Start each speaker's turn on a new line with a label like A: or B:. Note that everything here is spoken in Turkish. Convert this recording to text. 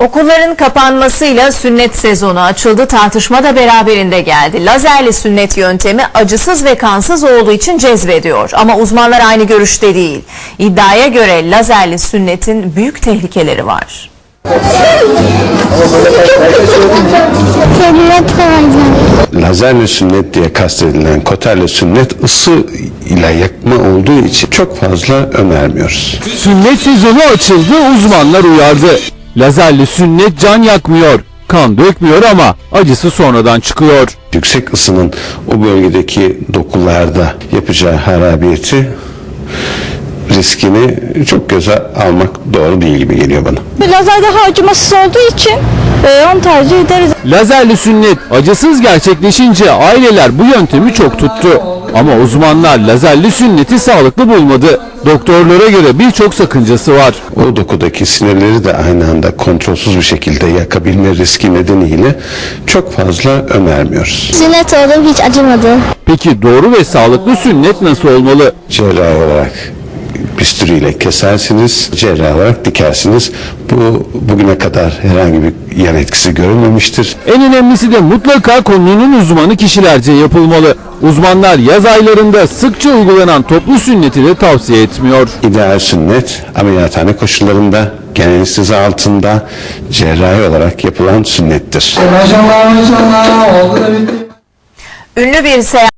A: Okulların kapanmasıyla sünnet sezonu açıldı. Tartışma da beraberinde geldi. Lazerli sünnet yöntemi acısız ve kansız olduğu için cezbediyor. Ama uzmanlar aynı görüşte değil. İddiaya göre lazerli sünnetin büyük tehlikeleri var.
B: Lazerli sünnet diye kastedilen koterli sünnet ısı ile yakma olduğu için çok fazla önermiyoruz.
C: Sünnet sezonu açıldı, uzmanlar uyardı. Lazerli sünnet can yakmıyor, kan dökmüyor ama acısı sonradan çıkıyor.
B: Yüksek ısının o bölgedeki dokularda yapacağı harabiyeti, riskini çok göze almak doğru değil gibi geliyor bana.
D: Lazer daha acımasız olduğu için onu tercih ederiz.
C: Lazerli sünnet acısız gerçekleşince aileler bu yöntemi çok tuttu. Ama uzmanlar lazerli sünneti sağlıklı bulmadı. Doktorlara göre birçok sakıncası var.
B: O dokudaki sinirleri de aynı anda kontrolsüz bir şekilde yakabilme riski nedeniyle çok fazla önermiyoruz.
D: Sünnet oldum, hiç acımadı.
C: Peki doğru ve sağlıklı sünnet nasıl olmalı?
B: Cerrahi olarak bisturiyle kesersiniz, cerrahi olarak dikersiniz. Bu bugüne kadar herhangi bir yan etkisi görülmemiştir.
C: En önemlisi de mutlaka konunun uzmanı kişilerce yapılmalı. Uzmanlar yaz aylarında sıkça uygulanan toplu sünneti de tavsiye etmiyor.
B: İdeal sünnet ameliyathane koşullarında genel anestezi altında cerrahi olarak yapılan sünnettir.
A: Ünlü bir seyahat